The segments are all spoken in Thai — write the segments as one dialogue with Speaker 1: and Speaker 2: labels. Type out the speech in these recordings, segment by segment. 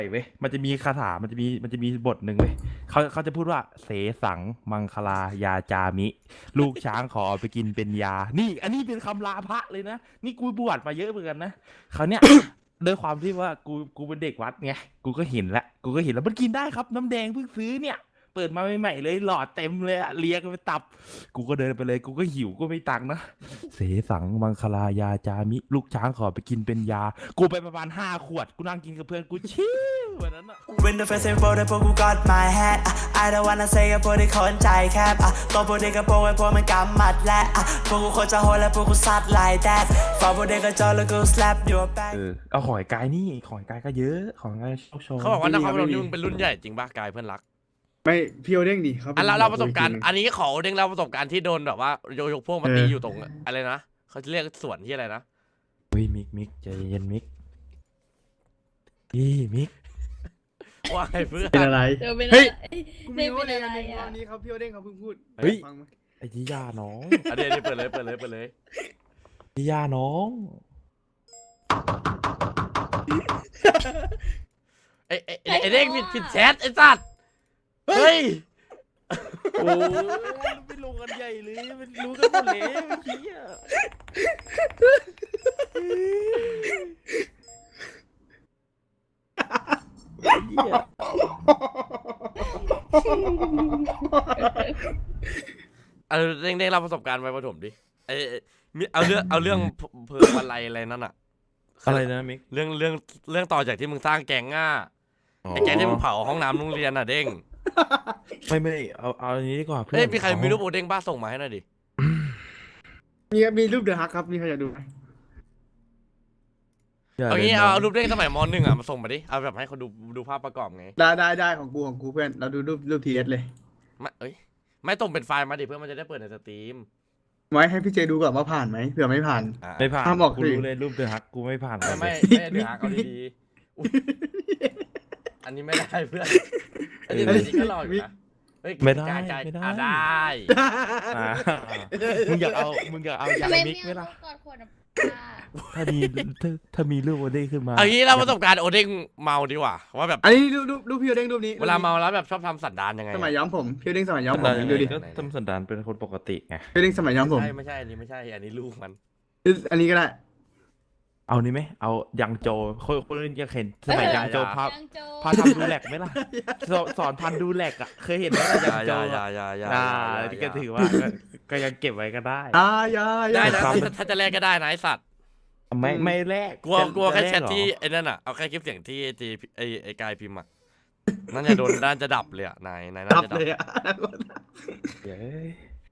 Speaker 1: เว้ยมันจะมีคาถามันจะมีบทหนึ่งเว้ยเขาจะพูดว่าเสสังมังคลายาจามิลูกช้างขอเอาไปกินเป็นยานี่อันนี้เป็นคำลาพระเลยนะนี่กูบวชมาเยอะเหมือนกันนะเขาเนี่ย ด้วยความที่ว่ากูเป็นเด็กวัดไงกูก็เห็นแล้วมันกินได้ครับน้ำแดงเพิ่งซื้อเนี่ยเปิดมาใหม่ๆเลยหลอดเต็มเลยอะเลียกันไปตับกูก็เดินไปเลยกูก็หิวก็ไม่ตังค์นะเสสังมังคลายาจามิลูกช้างขอไปกินเป็นยากูไปประมาณ5 ขวดกูนั่งกินกับเพื่อนกูชิลวันนั้นอะ
Speaker 2: When the first info ได้พวกกู got my hat I don't wanna say กับพวกที่คนใจแคบตัวพวกเด็กกับพวกไอ้พวกมันกำมัดและพวกกูโคตรจะโหดและพวกกูซัด like that ฝากพวกเด็กกับจอแล้วกู slap your back
Speaker 1: เอาหอยกายนี่หอยกายก็เยอะของกายโชว์
Speaker 3: เขาบอกว่านครพนมนี่มึงเป็นรุ่นใหญ่จริงป่ะกายเพื่อนรัก
Speaker 4: ไม่พี่โอเด้งดิเขา
Speaker 3: อันเราประสบการณ์อันนี้ขอเด้งเล่าประสบการณ์ที่โดนแบบว่ายกพวกมาตีอยู่ตรงอะไรนะเขาจะเรียกสวนที่อะไรนะ
Speaker 1: เฮ้ยมิกใจเย็นมิกมิก
Speaker 3: ว่าไงเพื่อน
Speaker 4: เป็นอะไร
Speaker 5: เดี๋ยวเป็น
Speaker 4: เฮ้ย กู
Speaker 5: ไม่
Speaker 4: ไม่รู้
Speaker 5: เป็น
Speaker 4: เลย
Speaker 5: อะไร
Speaker 4: ใน
Speaker 5: อ่ะ
Speaker 4: วันนี้เขาพี่โอเด้งเขาเพิ่งพูด
Speaker 1: เฮ้ย
Speaker 4: ฟังไหม
Speaker 1: ไอ้ที่ย่าน้อง
Speaker 3: อันนี้เปิดเลย
Speaker 1: ที่ย่าน้อง
Speaker 3: ไอ้เด้งผิดแชทไอ้สัตว์เฮ้ย
Speaker 1: โอ้ไปลงกันใหญ่เลยมันรู้กันหมดเลยเมื่อกี้อะเหี้ย
Speaker 3: เอาเด้งเล่าประสบการณ์ไปประถมดิเอาเรื่องเพลิงอะไรนั่นอะ
Speaker 1: อะไรนะมิก
Speaker 3: เรื่องต่อจากที่มึงสร้างแก๊งอ่ะไอ้แก๊งที่มึงเผาห้องน้ำโรงเรียนอ่ะเด้ง
Speaker 1: ไม่เอาอันนี้ดีกว่าเพื่อน
Speaker 3: เฮ้ยมีใครมีรูปโอเด้งบ้าส่งมาให้หน่อยดิ
Speaker 4: มีรูปเดอะฮักครับมีใครอยากดูไหม
Speaker 3: เอางี้เอารูปเด้งสมัยม.1อ่ะมาส่งมาดิเอาแบบให้เขาดูภาพประกอบไง
Speaker 4: ได้ของกูเพื่อนเราดูรูปทีเอสเลย
Speaker 3: ไม่ส่งเป็นไฟล์มาดิเพื่อมันจะได้เปิดในสตรีม
Speaker 4: ไว้ให้พี่เจดูก่อนว่าผ่านไหมเผื่อไม่ผ่าน
Speaker 1: ไม่ผ่าน
Speaker 4: ห้ามออก
Speaker 1: กู
Speaker 4: สิ
Speaker 1: รู้เลยรูปเดอะฮักกูไม่ผ่านก่อนเล
Speaker 3: ไม่
Speaker 1: ย
Speaker 3: เดี๋ยวหาเอาดีๆอุ๊ยอันนี้ไม่ได้เพื่อนอันนี้จริงก็รออยู่นะเฮ้ย
Speaker 1: ไม่ได้
Speaker 3: กาย
Speaker 1: ไม่ได้
Speaker 3: ได้
Speaker 1: อ่ามึงอยากเอายาง
Speaker 5: ทำไม
Speaker 1: มิก
Speaker 5: ไม่
Speaker 1: ไหม
Speaker 5: เอา
Speaker 1: ล่ะ
Speaker 5: กอดขวดน้ำปลา
Speaker 1: ถ้ามีรูปโอเด้งขึ้นมา
Speaker 3: เอางี้เราประสบการณ์โอเด้งเมาดีกว่าว่าแบบ
Speaker 4: อันนี้รูปพี่โอเด้งรูปนี้
Speaker 3: เวลาเมาแล้วแบบชอบทำสันดานยังไง
Speaker 4: สมัยย้อมผมพี่โอเด้งสมัยย้อมผมดูดิ
Speaker 1: ก็ทำสันดานเป็นคนปกติไง
Speaker 4: พี่โอเด้งสมัยย้อมผม
Speaker 3: ไม่ใช่อันนี้ไม่ใช่อันนี้ลูกมัน
Speaker 4: อันนี้ก็ได้
Speaker 1: เอานี่ไหมเอายังโจคนอื่นยังเห็นสมัยยังโจพา
Speaker 5: ยังโจ
Speaker 1: พาทำดูแลกไหมล่ะสอนพันดูแลกอ่ะเคยเห็นไหมล่ะยังโจนี่ก็ถือว่าก็ยังเก็บไว้ก็ได้
Speaker 4: อย่า
Speaker 3: ได้นะถ้าจะแลกก็ได้นะไอสัตว์
Speaker 1: ไม่แลก
Speaker 3: กลัวแค่
Speaker 1: จะ
Speaker 3: แชทที่ไอ้นั่นอ่ะเอาแค่คลิปเสียงที่ไอ้กายพิมพ์อ่ะนั่นจะโดนด้านจะดับเลยอ่ะนายน่า
Speaker 4: ดับ
Speaker 3: จะดับ
Speaker 4: เลยอ่ะ
Speaker 1: เย้ย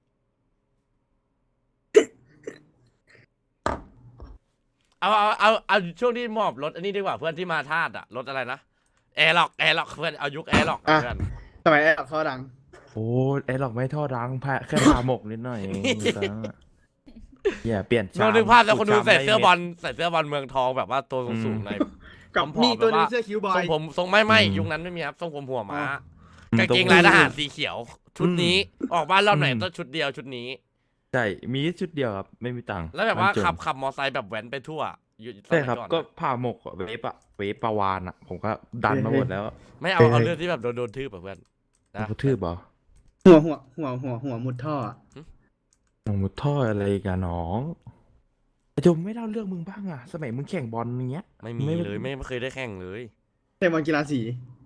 Speaker 3: เอาช่วงที่มอบรถอันนี้ดีกว่าเพื่อนที่มาธาตุอ่ะรถอะไรนะแอร์ล็อกเพื่อนเอายุคแอร์ล็อกเพื่อน
Speaker 4: สมัยแอบเขาดัง
Speaker 1: โอ้ไอ้หรอกไม่ทอดรังแค่พาหมกนิดหน่อยเองอย่าเปลี่ยน
Speaker 3: ลองนึกภาพแล้วคนดูใส่เสื้อบอลเมืองทองแบบว่าตัวสูงๆใน
Speaker 4: กับ
Speaker 3: ผอมๆ
Speaker 4: มีตัวนึ
Speaker 3: แบบ
Speaker 4: ง
Speaker 3: ว่า
Speaker 4: เสื้อคิวบอ
Speaker 3: ทร
Speaker 4: ย
Speaker 3: งผมทรงไม่ยุคนั้นไม่มีครับทรงผมหัวม้ากางเกงลายทหารสีเขียว ชุดนี้ออกบ้านรอบไหนต้องชุดเดียวชุดนี้
Speaker 1: ใช่มีชุดเดียวครับไม่มีตังค์
Speaker 3: แล้วแบบว่า
Speaker 1: มันจน
Speaker 3: ขับมอไซค์แบบแว้นไปทั่วอยู่ส
Speaker 1: ใช่
Speaker 3: มัย
Speaker 1: ครับ
Speaker 3: ก่อน
Speaker 1: ก็พาหมกเวฟปลาวานอ่ะ ผมก็ดันมาหมดแล้ว
Speaker 3: ไม่เอาเรื่องที่แบบโดนทืบแบบเพื่อนนะ
Speaker 1: กระทืบเหรอ
Speaker 4: หัวมุดท่ออะ
Speaker 1: หนองมุดท่ออะไรกันน้องจมไม่เล่าเรื่องมึงบ้างอ่ะ สมัยมึงแข่งบอลอย่างเงี้ย
Speaker 3: ไม่มีเลยไม่เคยได้แข่งเลย
Speaker 4: เตะบอลกีฬาสี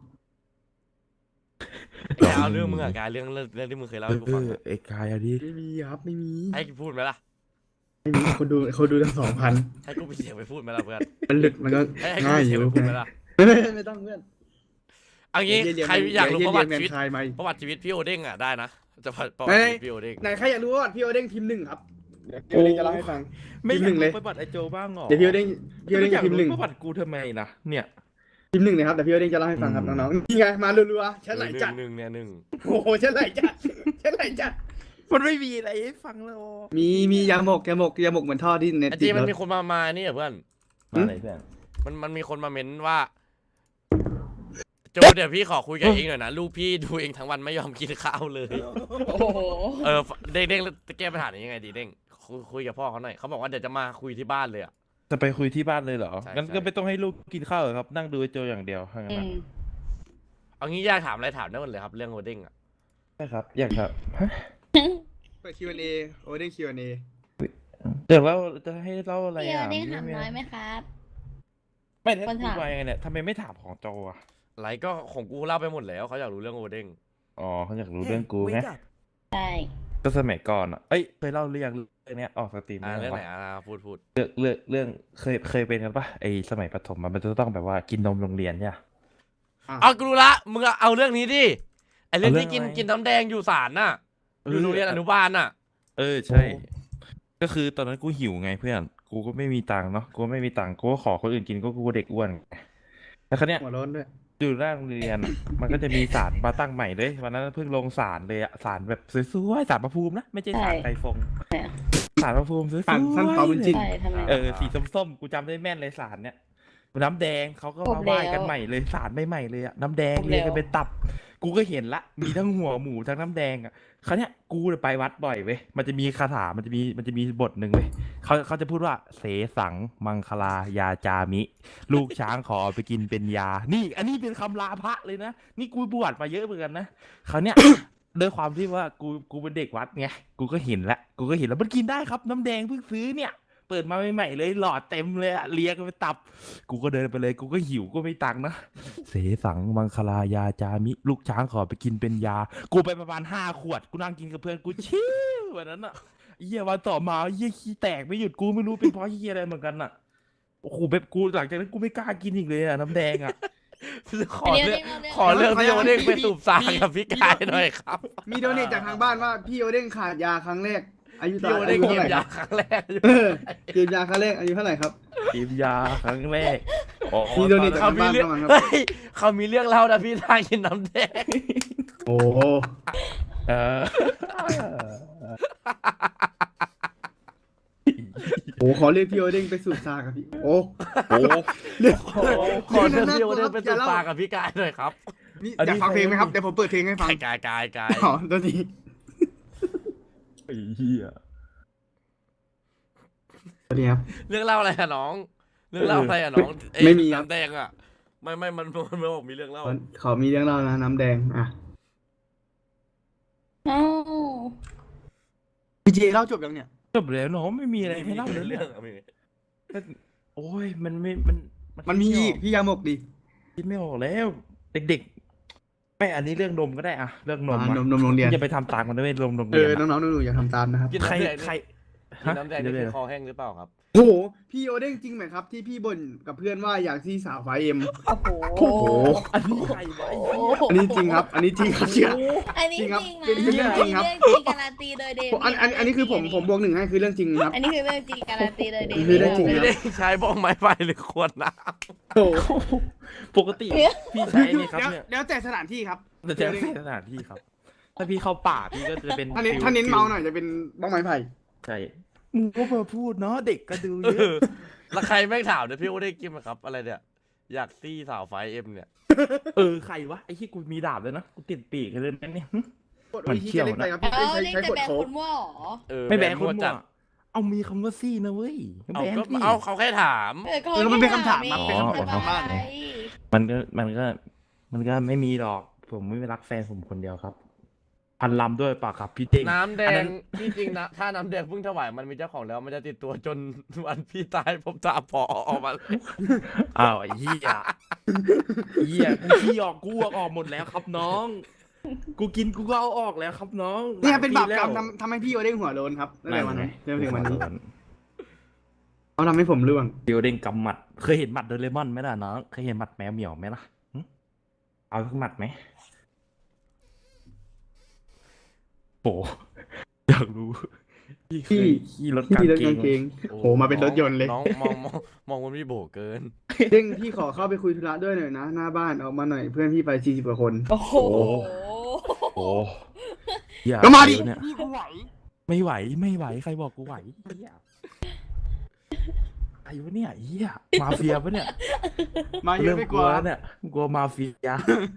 Speaker 3: แต่เอาเรื่องมึงอะกายเรื่องที่มึงเคยเล่าให้กูฟังอะ
Speaker 1: ไอ้กายอะดิ
Speaker 4: ไม่มีครับไม่มี
Speaker 3: ให้กูพูดไหมล่ะ
Speaker 4: ไม่มีคนดูทั้ง2,000
Speaker 3: ให้กูไปเสียงไปพูดไหมล่ะเพื่อน
Speaker 4: มันหลุดมันก็
Speaker 3: ให้กู
Speaker 4: ง่าย
Speaker 3: ไป
Speaker 4: อ
Speaker 3: เสียง
Speaker 4: ยู่
Speaker 3: ไปพูดไหมล่ะ
Speaker 4: ไม่ต้องเพื่อน
Speaker 3: เอางี้ใครอยากรู้ประวัติชีวิต
Speaker 4: คายมา
Speaker 3: ประวัติชีวิตพี่โอเด้งอะได้นะจะประวัติชีวิตพี่โอเด้ง
Speaker 4: ไหนใครอยากรู้ว่าพี่โอเด้งพิมพ์1ครับเดี๋ยวพี่โอเด้งจะเล่าให้ฟัง
Speaker 1: ไม่
Speaker 4: พิมพ์หนึ่งเลย
Speaker 1: ประวัติไอโจบ้างหรอ
Speaker 4: เดี๋ยวพี่โอเด้งจะ
Speaker 1: พิ
Speaker 4: พิมพ์หนึ่ง
Speaker 1: ประวัติกูทำไมนะเนี่ย
Speaker 4: พิมพ์1นะครับแต่พี่โอเด้งจะเล่าให้ฟังครับน้องๆนี่ไงมารัวๆฉันไหลจัด
Speaker 3: หนึ่ง
Speaker 4: โอ้โหฉันไหลจัด
Speaker 1: มันไม่มีอะไรให้ฟังแล้ว
Speaker 4: มียาหมกเหมือนท่อที่เน็ต
Speaker 3: ไอ้
Speaker 4: ติ
Speaker 3: จี
Speaker 4: ด
Speaker 3: มัน
Speaker 4: รถ
Speaker 3: มีคนมานี่เหรอเพื่อน
Speaker 1: มาไหนเพื่อน
Speaker 3: มันมีคนมาเม้นว่าโจเดี๋ยวพี่ขอคุยกับเองหน่อยนะลูกพี่ดูเองทั้งวันไม่ยอมกินข้าวเลย
Speaker 5: โอ้โห
Speaker 3: เด้งจะแก้ปัญหานี้ยังไงดีเด้งคุยกับพ่อเขาหน่อยเขาบอกว่าเดี๋ยวจะมาคุยที่บ้านเลยอะ
Speaker 1: จะไปคุยที่บ้านเลยเหรอ
Speaker 3: ใช่
Speaker 1: งั้น
Speaker 3: ใช่
Speaker 1: ก็ไม่ต้องให้ลูกกินข้าวเหรอครับ นั่งดูไอ้โจอย่างเดียวถ้างั้น
Speaker 5: อื
Speaker 1: นะ
Speaker 5: ม
Speaker 3: เอางี้อยากถามอะไรถามได้หมดเลยครับเรื่องโฮดดิ้งอ่ะ
Speaker 1: ใช่ครับ อยากครับฮะ
Speaker 4: เปิด Q&A โอ้ได้ Q&A
Speaker 1: เดี๋ยวเราจะให้เล่าอะไร
Speaker 5: พี่
Speaker 1: อ่ะ
Speaker 5: เด้ง
Speaker 1: ไม่
Speaker 5: ถาม
Speaker 1: มี
Speaker 5: น้อยไหมครับ
Speaker 1: ไม่ได้
Speaker 5: คน
Speaker 1: พูด
Speaker 5: ถาม
Speaker 1: ไปไงเนี่ยทำไมไม่ถามของโจอ่ะ
Speaker 3: ไรก็ของกูเล่าไปหมดแล้วเขาอยากรู้เรื่องโฮดดิ้ง
Speaker 1: อ๋อเขาอยากรู้เรื่องกูไง
Speaker 5: ใช่
Speaker 1: ก็สมัยก่อนอ่ะ เอ้ยเคยเล่าเรื่องเนี้ยออกสตรีม
Speaker 3: เรื่องไหน
Speaker 1: ปะ
Speaker 3: พูด
Speaker 1: เรื่องเคยเป็นกันปะไอสมัยประถมมันจะต้องแบบว่ากินนมโรงเรียนเนี่ย
Speaker 3: เอากูรู้ละมึงเอาเรื่องนี้ดิไอเรื่อง
Speaker 1: เอาเรื่
Speaker 3: ที่
Speaker 1: องอะไร
Speaker 3: กินน้ำแดงอยู่ศาลน่ะอยู่โรงเรียนอนุบาลน่ะ
Speaker 1: เออใช่ ก็คือตอนนั้นกูหิวไงเพื่อน กูก็ไม่มีตังค์เนาะ กูไม่มีตังค์กูก็ขอคนอื่นกินก็กูเด็กอ้วนไงแล้วคราวเนี้ย
Speaker 4: หัวร้อนด้วย
Speaker 1: อยู่หน้าโรงเรียนอะ มันก็จะมีศาลมาตั้งใหม่เลยวันนั้นเพิ่งลงศาลเลยอะศาลแบบสวยๆศาลพระภูมินะไม่ใช่ศาลไก่ฟงศาลพระภูมิสวย
Speaker 4: ศาลท่านเปาบุญจิน
Speaker 5: ใช่ทำไม
Speaker 1: เออสีส้มๆกูจำได้แม่นเลยศาลเนี้ยน้ำแดงเขาก็
Speaker 5: ครบ
Speaker 1: มาไหว้กัน
Speaker 5: แล้ว
Speaker 1: ใหม่เลยศาลใหม่ๆเลยอะน้ำแดง
Speaker 5: ครบ
Speaker 1: เรียงกัน
Speaker 5: แล้ว
Speaker 1: เป็นตับ กูก็เห็นละมีทั้งหัวหมูทั้งน้ำแดงอะคราวเนี้ยกูไปวัดบ่อยเว้ยมันจะมีคาถามันจะมีบทหนึ่งเว้ยเขาจะพูดว่าเสสังมังคลายาจามิ ลูกช้างขอเอาไปกินเป็นยา นี่ อันนี้เป็นคำลาพระเลยนะ นี่กูบวชมาเยอะเหมือนกันนะคราวเนี้ย ด้วยความที่ว่ากูเป็นเด็กวัดไง กูก็เห็นแล้วมันกินได้ครับน้ำแดงเพิ่งซื้อเนี่ย เปิดมาใหม่ๆเลยหลอดเต็มเลยอะเลียกันไปตับ กูก็เดินไปเลย กูก็หิวก็ไม่ตังค์นะ เสสังมังคลายาจามิ ลูกช้างขอไปกินเป็นยา กูไปประมาณ5 ขวด กูนั่งกินกับเพื่อนกูชิววันนั้นอะเหี้ยวันต่อมาเหี้ยขี้แตกไม่หยุดกูไม่รู้เป็นเพราะเหี้ยอะไรเหมือนกันอะโอ้โหแบบกูหลังจากนั้นกูไม่กล้ากินอีกเลยอะน้ำแดงอะ
Speaker 3: ขอเรื่องพี่โฮดดิ้งไปสูบซางกับพี่กายหน่อยครับ
Speaker 4: มีโดเนทจากทางบ้านว่าพี่โอเด้งขาดยาครั้งแรก อายุ
Speaker 3: พี่โฮดดิ้ง
Speaker 4: เท่า
Speaker 3: กิ
Speaker 4: ไหร่
Speaker 3: น
Speaker 4: ค
Speaker 3: ยา
Speaker 4: รับ
Speaker 3: ครั้งแรก
Speaker 4: เออกินยาครั้งแรกอายุเท่าไหร่ครับ
Speaker 1: กินยาครั้งแรกอ๋อ
Speaker 4: มีโดเนท
Speaker 1: ตอน
Speaker 3: เขา
Speaker 1: นั้น
Speaker 3: มีเรื่อง
Speaker 4: บ้านๆครับ
Speaker 3: เฮ้ยเขามีเรื่องเล่านะพี่ทางกินน้ำแดง
Speaker 4: โอ้โห
Speaker 1: เออ
Speaker 4: โอ้ขอเรียกพี่โอเด้งไปสูบซากับพี่ โอ้
Speaker 1: โอ้
Speaker 4: เรียก
Speaker 3: ขอเรื่องพี่โฮดดิ้งไปสูบซางกับพี่กายหน่อยครับ
Speaker 4: นี่อยากฟังเพลงไหมครับ เดี๋ยวผมเปิดเพลงให้ฟัง
Speaker 3: กาย
Speaker 4: อ๋อตัวนี้
Speaker 1: ไอ้เหี้ย
Speaker 4: ตัวนี้ครับ
Speaker 3: เรื่องเล่าอะไรอะน้อง เรื่องเล่าอะไรอะน้องอ้
Speaker 4: ไม่มีครับ
Speaker 3: น้ำแดงอะไม่มันบอกมีเรื่องเล่า
Speaker 4: ขอมีเรื่องเล่านะน้ำแดง อ่ะ
Speaker 5: เอ้า
Speaker 4: พี่เจเล่าจบยังเนี่ย
Speaker 1: จบแล้วน้องไม่มีอะไรให้เล่าเลย
Speaker 3: เรื่
Speaker 1: เรื่
Speaker 3: อ
Speaker 1: อง ง
Speaker 3: อะมี
Speaker 1: โอ้ยมันไม่
Speaker 4: มันมีอีกพี่ยาหมกดิ
Speaker 1: คิดไม่ออกแล้ว เด็กๆไม่อันนี้เรื่องนมก็ได้อะเรื่องนม
Speaker 4: อ่ะ
Speaker 1: อะ
Speaker 4: นมโรงเรียน
Speaker 1: อย่าไปทำตามมันด้วยนมโรง
Speaker 4: เอ
Speaker 1: เรีย
Speaker 4: อน
Speaker 1: อะ
Speaker 4: น้องๆหนูๆอย่าทำตามนะครับ
Speaker 3: กิน
Speaker 1: ใคร
Speaker 3: น้ำแดง
Speaker 1: ใคร
Speaker 3: กินน้ำแดง
Speaker 1: เดี๋ยว
Speaker 3: นี่
Speaker 1: เดี๋
Speaker 3: คื
Speaker 1: ยว
Speaker 3: อคอแห้งหรือเปล่าครับ
Speaker 4: โอ้โห พี่โอเด้งจริงไหมครับ ที่พี่บ่นกับเพื่อนว่าอยากที่สาวไฟเอ็ม
Speaker 5: โอ้โห
Speaker 4: โอ้โห
Speaker 1: อันนี้ใครวะไอ้เหี้ย
Speaker 4: อันนี้จริงครับ อันนี้จริงครับเชื่อ
Speaker 5: อันนี้
Speaker 4: จ
Speaker 5: จ
Speaker 4: ริ
Speaker 5: ริ
Speaker 4: ง
Speaker 5: ง
Speaker 4: ครับ
Speaker 5: นะ
Speaker 4: เป็นเรื่องจริงครับ
Speaker 5: เรื่องจริงการันตีโดยเด
Speaker 4: อันนี้คือผมบวกหนึ่งให้คือเรื่องจริงครับ
Speaker 5: อันนี้คือเรื่องจริงการันตีโดยเด
Speaker 4: คือเรื่องจริง
Speaker 3: ไม่ได้ใช้บ้องไม้ไฟหรือขวดน้
Speaker 4: โอ้โห
Speaker 1: ปกติพี่ใช้นี่ครับเนี่ย
Speaker 4: แล้วแต่สถานที่ครับ
Speaker 1: แต่จะไม่สถานที่ครับ ถ้าพี่เข้าป่าพี่ก็จะเป็น
Speaker 4: ถ้าเน้นเมาหน่อยจะเป็นบ้องไม้ไผ่
Speaker 1: ใช่มึงก็มาพูดเนาะเด็กก็ดู
Speaker 3: ำ
Speaker 1: เยอะ
Speaker 3: แล้วใครแม่งถามเนี่ยพี่โอได้กินไหมครับ อะไรเนี่ย อยากซี่สาวไฟเอ็มเนี่ย
Speaker 1: ใครวะไอ้ที่กูมีดาบเลยนะกูติดปีกเลยนะเนี่ย
Speaker 4: กดโอทีจะเล่นไปครับพี่
Speaker 5: เอ้า
Speaker 4: ใช้
Speaker 5: นี่
Speaker 4: ใช้
Speaker 5: จะ
Speaker 4: กด
Speaker 5: แบน
Speaker 4: โค้
Speaker 5: คุ
Speaker 4: ด
Speaker 5: ณว่าหรอ
Speaker 1: ไม่แบนคน
Speaker 3: มั่ว
Speaker 1: มั่
Speaker 3: จั
Speaker 1: ว
Speaker 3: ด
Speaker 1: เอามีคำว่าซี่นะเว้ย
Speaker 3: เอา
Speaker 1: แบน
Speaker 3: ก็
Speaker 1: สิ
Speaker 3: เอาเขาแค่ถาม
Speaker 4: มันเป็นคำถามครับเป็น
Speaker 1: อ๋อ
Speaker 4: คำถามของบ้าน
Speaker 5: อะไร
Speaker 1: มันก็ไม่มีหรอก ผมไม่รักแฟนผมคนเดียวครับ พันลำด้วยปากครับพี่เต้ง
Speaker 3: น้ำแด
Speaker 1: อันนั้
Speaker 3: ง
Speaker 1: น
Speaker 3: ที่จริงนะถ้าน้ำแดงเพิ่งถวายมันมีเจ้าของแล้วมันจะติดตัวจนวันพี่ตายผมตามพอออกมาเลย
Speaker 1: อ้าวไอ้เหี้ยกูขี้ออกกูเอาออกหมดแล้วครับน้อง กูกินกูก็เอาออกแล้วครับน้อง
Speaker 4: เนี่ยเป็นบาปกรรม
Speaker 1: หลยปี
Speaker 4: ทำให้พี่โอเด้งหัวโลนครับตั้งแต่วันนั้นจนถึงวันนี้
Speaker 1: แล้ว
Speaker 4: เขาทำให้ผมร่วง
Speaker 1: บิวเด้งกำหมัด เคยเห็นหมัดโดเรมอนไหมล่ะน้อง เคยเห็นหมัดแมวเหมียวไหมล่ะหึเอาสักหมัดไหมโอ้อยากรู้ พี่เคยขี่รถกาง
Speaker 4: พี่รถ
Speaker 1: เก
Speaker 4: กาง
Speaker 1: ง
Speaker 4: เกงโหมาเป็นรถยนต์เลย
Speaker 3: น้องมองมันพี่โบเกิน
Speaker 4: เด้งพี่ขอเข้าไปคุยธุระด้วยหน่อยนะ หน้าบ้านออกมาหน่อยเพื่อนพี่ไป40กว่าคน
Speaker 5: โอ้โห
Speaker 1: โอ้อย่
Speaker 4: ก็มาดิ
Speaker 1: เนี่ย
Speaker 4: พี่กูไหว
Speaker 1: ไม่ไหวใครบอกกูไหวเหี้ยไอ้วะเนี่ยเหี้ยมาเฟียปะเนี่ย
Speaker 4: มาเยอะไม่กลัว
Speaker 1: แล้วเนี่ยกลัวมาเฟีย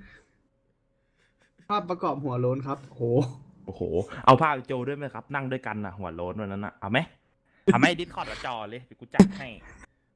Speaker 4: ภาพประกอบหัวโลนครับโห
Speaker 1: โอ้โห เอาภาพโจด้วยไหมครับ นั่งด้วยกันน่ะ หัวโล้นวันนั้นน่ะ เอาไหมดิสคอร์ดจอเลยเดี๋ยวกูจัดให้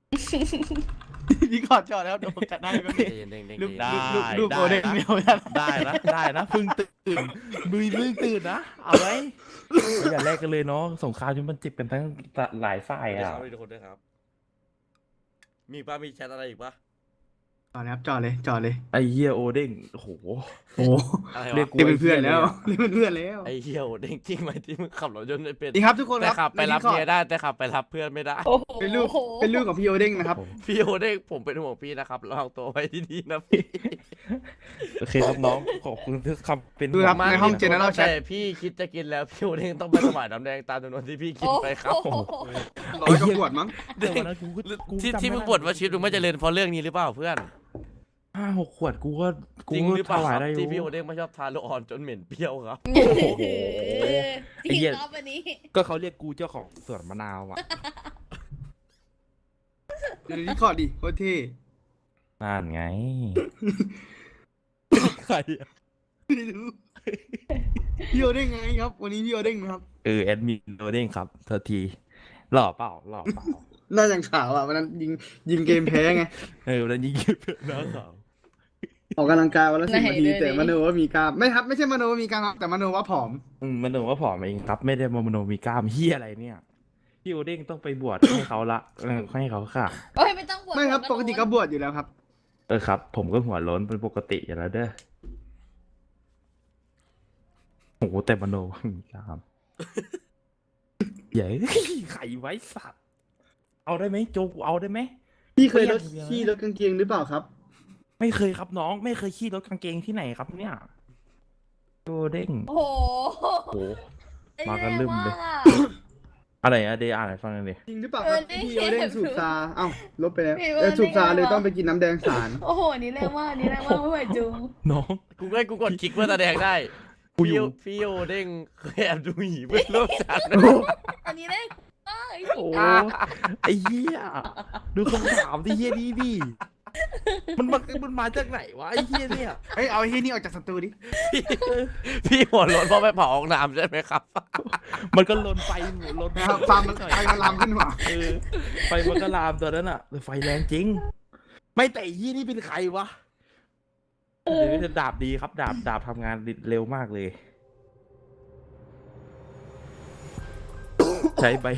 Speaker 4: พี่ขอจอดแล้วเดี๋ยวผมจัดให้ก็
Speaker 3: เด้งเด้งเด้ง
Speaker 4: ลูก
Speaker 3: เด้ง
Speaker 4: ลูกโอเด้งเดียวนะ
Speaker 1: ได้นะเพิ่งตื่นมือเพิ่งตื่นนะเอาไว้อย่าแลกกันเลยเนาะสงครามมันเจ็บกันทั้งหลายฝ่าย
Speaker 3: เดี๋ยว
Speaker 1: อ่ะ
Speaker 3: ครับทุกคนด้วยครับ มีอีกปะมีแชทอะไรอีกปะ
Speaker 4: จอดเลยครับจอดเลย
Speaker 1: ไอ้เหี้ยโอเด้งโอ้โห
Speaker 4: โอ้
Speaker 3: อะไร
Speaker 1: เรียว
Speaker 3: ะ
Speaker 1: กกู
Speaker 4: เรียกเป็นเพื่อนแล้วเรียกเป็นเพื่อนแล้ว
Speaker 3: ไอ้เหี้ยเด้งจริงไหมที่มึงขับรถยนต์ไม่เป็น
Speaker 4: นี่ครับทุกคน
Speaker 3: แต่
Speaker 4: ค
Speaker 3: ขั
Speaker 4: รั
Speaker 3: บบ ไปรับเมียได้แต่ขับไปรับเพื่อนไม่ได้
Speaker 5: โอ้โห
Speaker 4: เป็นลูกของพี่โอเด้งนะครับ
Speaker 3: พี่โอเด้งผมเป็นห่วงพี่นะครับระวังตัวไว้ดีๆนะพี่
Speaker 1: โอเคครับน้องขอบคุณที่คำเป็น
Speaker 4: ดูครับ
Speaker 3: มาก
Speaker 4: ในห้อง
Speaker 3: ที่
Speaker 4: General Chat
Speaker 3: แต่พี่คิดจะกินแล้วพี่โอเด้งต้องไปสมัยน้ำแดงตามจำนวนที่พี่กินไปครับ
Speaker 5: โอ้โห
Speaker 4: ร้อยกว่าขวดมั้ง
Speaker 1: เดี๋ยววันนั้นกู
Speaker 3: ที่มึงบ่นว่าชีวิตมึงไม่เจริญเพราะเรื่องนี้หรือเปล่าเพื่อน
Speaker 1: 5-6 ขวดกูก็
Speaker 3: จริงหรือเป
Speaker 1: ถ
Speaker 3: ล่า
Speaker 1: วาย
Speaker 3: ครับ
Speaker 1: ได้อยู่
Speaker 3: ที่พี่โอเด้งไม่ชอบทานโลออนจนเหม็นเปรี้ยวครับ
Speaker 5: จริง
Speaker 1: เหี้ย
Speaker 5: รอบวันนี้
Speaker 1: ก็เขาเรียกกูเจ้าของสวนมะนาวอ่ะ
Speaker 4: เดี๋ยวนี้ขอดิโคตรเท่
Speaker 1: นั่นไงใครอะ
Speaker 4: ไม่รู้พี่โอเด้งไงครับ วันนี้พี่โอเด้งนะครับ
Speaker 1: แอดมินโอเด้งครับเธอทีหล่อเปล่า
Speaker 4: หน้าอย่างขาวอ่ะวันนั้นยิงเกมแพ้ไง
Speaker 1: วันนั้นยิงเก็บน้าสาว
Speaker 4: ออกกำลังกายวันละ10 นาทีแต่มโนว่ามีกล้ามไม่ครับไม่ใช่มโนว่ามีกล้ามครับแต่มโนว่าผอม
Speaker 1: มันโนว่าผอมเองครับ ไม่ได้มโนมีกล้ามเฮียอะไรเนี่ยพี่โอเด้งต้องไปบวชให้เขาละให้เขาค่ะ
Speaker 5: โอ้ยไม่ต้องปวด
Speaker 4: ไม่ครับ
Speaker 5: หัว
Speaker 4: ปกติก็บวชอยู่แล้วครับ
Speaker 1: ครับ ผมก็หัวโล้นเป็นปกติอยู่แล้วเด้อโอ้โหแต่มโนว่ามีกล้ามใหญ่ไข่ไว้สัตว์เอาได้ไหมโจกูเอาได้ไหม
Speaker 4: พี่เคยลด
Speaker 1: ไม่อยาก
Speaker 4: ขี้ลดกางเกงหรือเปล่าครับ
Speaker 1: ไม่เคยครับน้องไม่เคยขี้รถกางเกงที่ไหนครับเนี่ยโอเด้ง
Speaker 5: โอ้โห
Speaker 1: โอ้โห มากันลืมเลย
Speaker 5: แย่าก
Speaker 1: อะไรอะเดย์อ่านให้ฟังหน่อยดิ
Speaker 4: จริงหรือเปล่าครับที่พี่โอเด้งสูบซาเอ้าลบไปแล้ว
Speaker 5: พี่โอเด้ง
Speaker 4: สูบซาเลยต้องไปกินน้ำแดงสาร
Speaker 5: โอ้โหอันนี่แรงมากอันนี่แรงมากไม่ไหวจุง
Speaker 1: น้อง
Speaker 3: กูกดคลิกเพื่อแสดงได้
Speaker 1: กูอยู่
Speaker 3: พี่โอเด้งเคยแอบดูหีเพื่อนร่วมชั้น
Speaker 5: อันนี้แรงมาก
Speaker 1: โอ้ไอ้เหี้ยดูคำถามที่เหี้ยดีดิมันมาจากไหนวะไอ้เหี้ยเนี่ย
Speaker 4: เฮ้ยเอาไอ้ที่นี่ออกจากสตูดิ
Speaker 3: พี่หัวร้อนเพราะไปเผาห้องน้ำใช่ไหมครับ
Speaker 1: มันก็ลนไฟลน
Speaker 4: นะครับฟาร์มมันไฟมันลามขึ้นหัว
Speaker 1: ไฟมันก็ลามตัวนั้นอ่ะไฟแรงจริง ไม่แต่ไอ้เหี้ยนี่เป็นใครวะเดี๋ยวจะดาบดีครับดาบทำงานเร็วมากเลย ใช้ใบ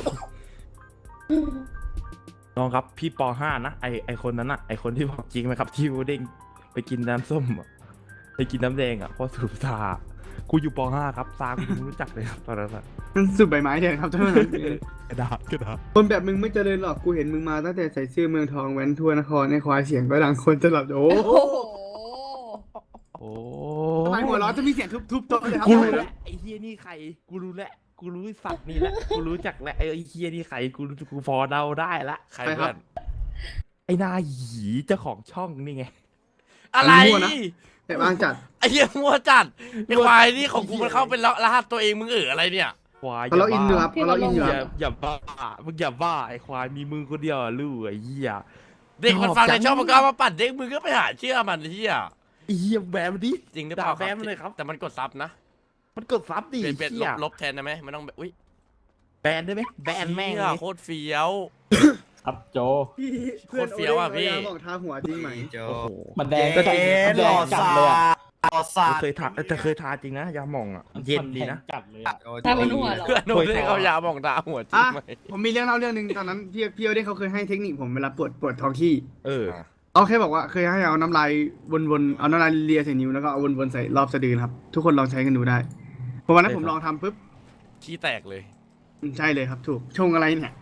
Speaker 1: น้องครับพี่ป .5 นะไอคนนั้นอะไอคนที่บอกจริงไหมครับที่วูเด้งไปกินน้ำส้มอะไปกินน้ำแดงอะเพราะสูบซากูอยู่ป .5 ครับซากูไม่รู้จักเลยครับตอนนั้นอะ
Speaker 4: มันสูบใบไม้แทนครับเท่านั้น
Speaker 1: กระดาษ
Speaker 4: คนแบบมึงไม่เจริญหรอกกูเห็นมึงมาตั้งแต่ใส่เสื้อเมืองทองแว้นทั่วนครในควายเสียงก็ดังคนจะหลับโอ้
Speaker 5: โอ้โห
Speaker 1: โอ้
Speaker 4: ทำไมหัวเร้อนจะมีเสียงทุบโต๊ะเลยครับ
Speaker 1: กู
Speaker 4: ทำไม
Speaker 1: รู้
Speaker 4: ล่ะ
Speaker 1: แล้วไอเฮียนี่ใครกูรู้แล้วกูรู้สัตว์นี่แหละกูรู้จักแล้วไอเฮียนี่ใครกูพอเดาได้ละ
Speaker 3: ใครเพื่อน
Speaker 1: ไอหนาหยีเจ้าของช่องนี่ไง
Speaker 3: อะไร
Speaker 4: แต่บางจัด
Speaker 3: ไอ้เหี้ยมัวจัดไอ้ควายนี่ของกูมันเข้าเป็นรหัสตัวเองมึงอะไรเนี่ย
Speaker 1: ควาย
Speaker 4: เขาเราอินอยู่ครับเขาเราอินอยู่
Speaker 1: อ
Speaker 4: ค
Speaker 1: ย่า
Speaker 4: รับ
Speaker 1: อย่าบ้ามึงอย่าบ้าไอควายมีมือคนเดียวอะลูกไอเหี้ย
Speaker 3: เด็กมันฟังใน
Speaker 1: ชอบจัง
Speaker 3: ช่องมันก็เอามาปั่นเด็กมึงก็ไปหาเชื่อมันไอ้เหี้ย
Speaker 1: ไอเหี้ยแบมดิ
Speaker 3: จริงหรือเปล่า
Speaker 1: ด่าแบมเลยครับ
Speaker 3: แต่มันกดซับนะ
Speaker 1: มันกดซับดิ
Speaker 3: เป็น
Speaker 1: เหี้ย
Speaker 3: ลบแทนได้ไหมมันต้องแบบอุ้ย
Speaker 1: แบนได้ไหมแบนแม่ง
Speaker 3: เหี้
Speaker 1: เลย ย
Speaker 3: โคตรเฟี้ยว
Speaker 6: ครับโจ
Speaker 4: พี่
Speaker 3: โคตรเฟี้ยวอะพี่
Speaker 4: บอกทาหัวจริงไหม
Speaker 1: โอ้โห
Speaker 6: มันแดงก็จัดมันแดงจัดเลยอ่ะ
Speaker 1: เคยทาแต่เคยทาจริงนะยาหม่องอ่ะเย็นดีนะ
Speaker 6: จัดเลยอะ
Speaker 5: ทำบนหัวเหรอ
Speaker 3: เพื่อนโดนเด็กเอายาหมองตาหัวจริง
Speaker 4: อ่ะ
Speaker 3: ไหม
Speaker 4: ผมมีเรื่องเล่าเรื่องหนึ่งตอนนั้นพี่โอเด้งเขาเคยให้เทคนิคผมเวลาปวดท้องที่
Speaker 3: อ่ะ
Speaker 4: เอาแค่บอกว่าเคยให้เอาน้ำลายวนๆเอาน้ำลายเลียใส่นิ้วแล้วก็เอาวนๆใส่รอบสะดือครับ ทุกคนลองใช้กันดูได้เพราะวันนั้นผมลองทำปุ๊บ
Speaker 3: ขี้แตกเลย
Speaker 4: ใช่เลยครับถูกชงอะไรเนี่ย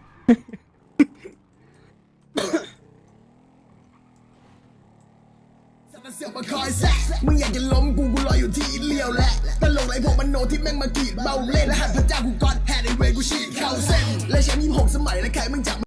Speaker 7: เสียบมาคอยแซะมึงอยากจะล้มกูรออยู่ที่อินเลียวแหละตลกไรพวกมันโนที่แม่งมากรีดเบาเล่นและหันพระเจ้ากูก่อนแฮดไอเวย์กูฉีดเข้าเส้นและแชมป์26 สมัยและใครมึงจับ